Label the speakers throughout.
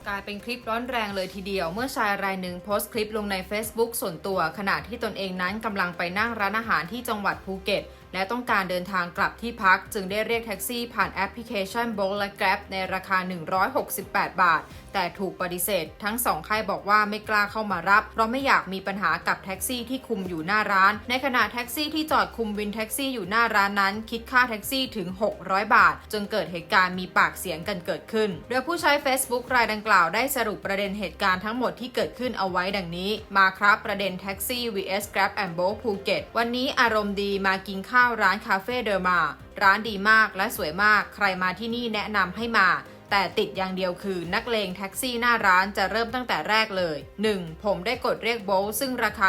Speaker 1: กลายเป็นคลิปร้อนแรงเลยทีเดียวเมื่อชายรายหนึ่งโพสต์คลิปลงใน Facebook ส่วนตัวขณะที่ตนเองนั้นกำลังไปนั่งร้านอาหารที่จังหวัดภูเก็ตและต้องการเดินทางกลับที่พักจึงได้เรียกแท็กซี่ผ่านแอปพลิเคชัน Bolt และ Grab ในราคา168 บาทแต่ถูกปฏิเสธทั้งสองค่ายบอกว่าไม่กล้าเข้ามารับเพราะไม่อยากมีปัญหากับแท็กซี่ที่คุมอยู่หน้าร้านในขณะแท็กซี่ที่จอดคุมวินแท็กซี่อยู่หน้าร้านนั้นคิดค่าแท็กซี่ถึง600 บาทจนเกิดเหตุการณ์มีปากเสียงกันเกิดขึ้นโดยผู้ใช้ Facebook รายดังกล่าวได้สรุปประเด็นเหตุการณ์ทั้งหมดที่เกิดขึ้นเอาไว้ดังนี้มาครับประเด็นแท็กซี่ vs Grab and Bolt ภูเก็ตวันนี้อารมณ์ดีมากินข้าวร้านคาเฟ่เดอร์มาร้านดีมากและสวยมากใครมาที่นี่แนะนำให้มาแต่ติดอย่างเดียวคือนักเลงแท็กซี่หน้าร้านจะเริ่มตั้งแต่แรกเลย 1. ผมได้กดเรียกโบลซึ่งราคา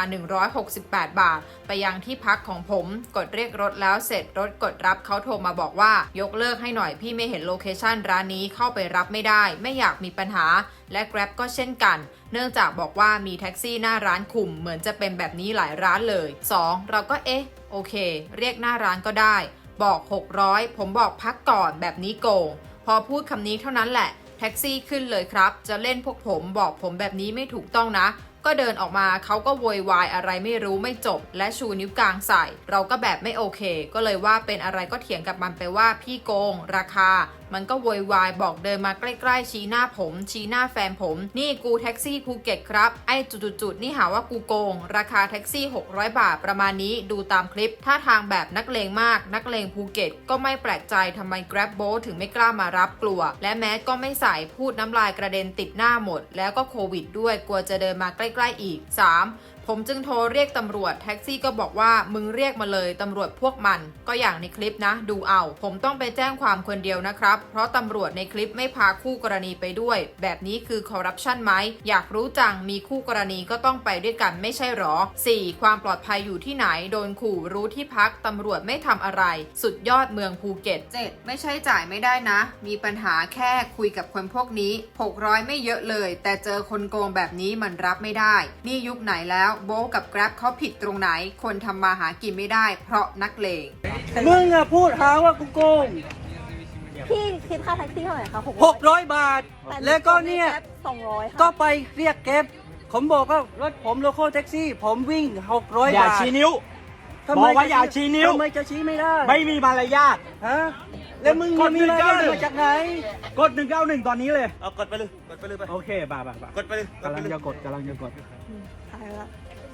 Speaker 1: 168 บาทไปยังที่พักของผมกดเรียกรถแล้วเสร็จรถกดรับเขาโทรมาบอกว่ายกเลิกให้หน่อยพี่ไม่เห็นโลเคชั่นร้านนี้เข้าไปรับไม่ได้ไม่อยากมีปัญหาและ Grab ก็เช่นกันเนื่องจากบอกว่ามีแท็กซี่หน้าร้านคุมเหมือนจะเป็นแบบนี้หลายร้านเลย 2. เราก็โอเคเรียกหน้าร้านก็ได้บอก600ผมบอกพักก่อนแบบนี้โกงพอพูดคำนี้เท่านั้นแหละแท็กซี่ขึ้นเลยครับจะเล่นพวกผมบอกผมแบบนี้ไม่ถูกต้องนะก็เดินออกมาเขาก็โวยวายอะไรไม่รู้ไม่จบและชูนิ้วกลางใส่เราก็แบบไม่โอเคก็เลยว่าเป็นอะไรก็เถียงกับมันไปว่าพี่โกงราคามันก็โวยวายบอกเดินมาใกล้ๆชี้หน้าผมชี้หน้าแฟนผมนี่กูแท็กซี่ภูเก็ตครับไอ้จุดๆนี่หาว่ากูโกงราคาแท็กซี่600 บาทประมาณนี้ดูตามคลิปท่าทางแบบนักเลงมากนักเลงภูเก็ตก็ไม่แปลกใจทำไม Grab Bolt ถึงไม่กล้ามารับกลัวและแมสก็ไม่ใส่พูดน้ำลายกระเด็นติดหน้าหมดแล้วก็โควิดด้วยกลัวจะเดินมาใกล้ๆอีก 3. ผมจึงโทรเรียกตำรวจแท็กซี่ก็บอกว่ามึงเรียกมาเลยตำรวจพวกมันก็อย่างในคลิปนะดูเอาผมต้องไปแจ้งความคนเดียวนะครับเพราะตำรวจในคลิปไม่พาคู่กรณีไปด้วยแบบนี้คือคอร์รัปชันไหมอยากรู้จังมีคู่กรณีก็ต้องไปด้วยกันไม่ใช่หรอ 4. ความปลอดภัยอยู่ที่ไหนโดนขู่รู้ที่พักตำรวจไม่ทำอะไรสุดยอดเมืองภูเก็ต 7. ไม่ใช่จ่ายไม่ได้นะมีปัญหาแค่คุยกับคนพวกนี้600ไม่เยอะเลยแต่เจอคนโกงแบบนี้มันรับไม่ได้นี่ยุคไหนแล้วโบลกับ Grab เขาผิดตรงไหนคนทำมาหากินไม่ได้เพราะนักเลง
Speaker 2: มึงอะพูดหาว่ากูโกง
Speaker 3: พี่คิดค่าแท็กซี่เท่าไหร่คะ
Speaker 2: 600 บาทแล้วก็เนี่ย
Speaker 3: 200
Speaker 2: ก็ไปเรียกเก็บผมบอกว่ารถผมโลโก้แท็กซี่ผมวิ่ง600 บาท
Speaker 4: อย่าชี้นิ้วบอกว่าอย่าชี้นิ้ว
Speaker 2: ทำไมจะชี้ไม่ได้
Speaker 4: ไม่มีมารยาท
Speaker 2: ฮะแล้วมึงมีมารยาทมาจากไหน
Speaker 4: กด191ตอนนี้เลย
Speaker 5: เอากดไปเลยไป
Speaker 4: โอเคบ่
Speaker 5: กดไปเลย
Speaker 4: กำลังจะกด
Speaker 3: ถ่ายแล้ว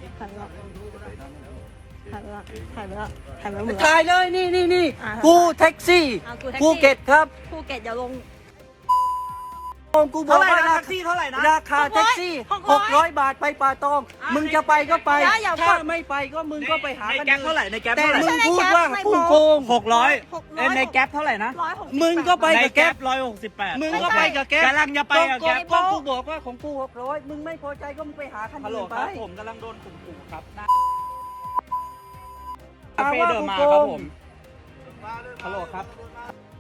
Speaker 3: หมด
Speaker 2: ถ่ายเลยนี่กูแท็กซี่ภูเก็ตครับ
Speaker 3: ภูเก็ตอย่าลง
Speaker 2: กูบอกว่า
Speaker 4: แท็กซี่เท่าไหร่นะ
Speaker 2: ราคาแท็กซี่600 บาทไปป่าตองมึงจะไปก็ไปถ้าไม่ไปก็มึงก็ไปหา
Speaker 4: ในแก๊ปเท่าไหร่ในแก๊ป
Speaker 2: แต่
Speaker 4: เท่าไหร่
Speaker 2: มึงพูดว่ากูโกง
Speaker 4: 600ในแก๊ปเท่าไหร่นะ
Speaker 2: มึงก็ไปกับแก๊ป
Speaker 4: 168
Speaker 2: มึงก็ไปกับแก๊ป
Speaker 4: กำลังจะไปกับแก๊ป
Speaker 2: ก็กูบอกว่าของกู600มึงไม่พอใจก็มึงไปหาคันอื่นไป
Speaker 4: ผมกำลังโดนข่มขู่ครับคาเฟ่เดินมาครับผมฮัลโหลครับ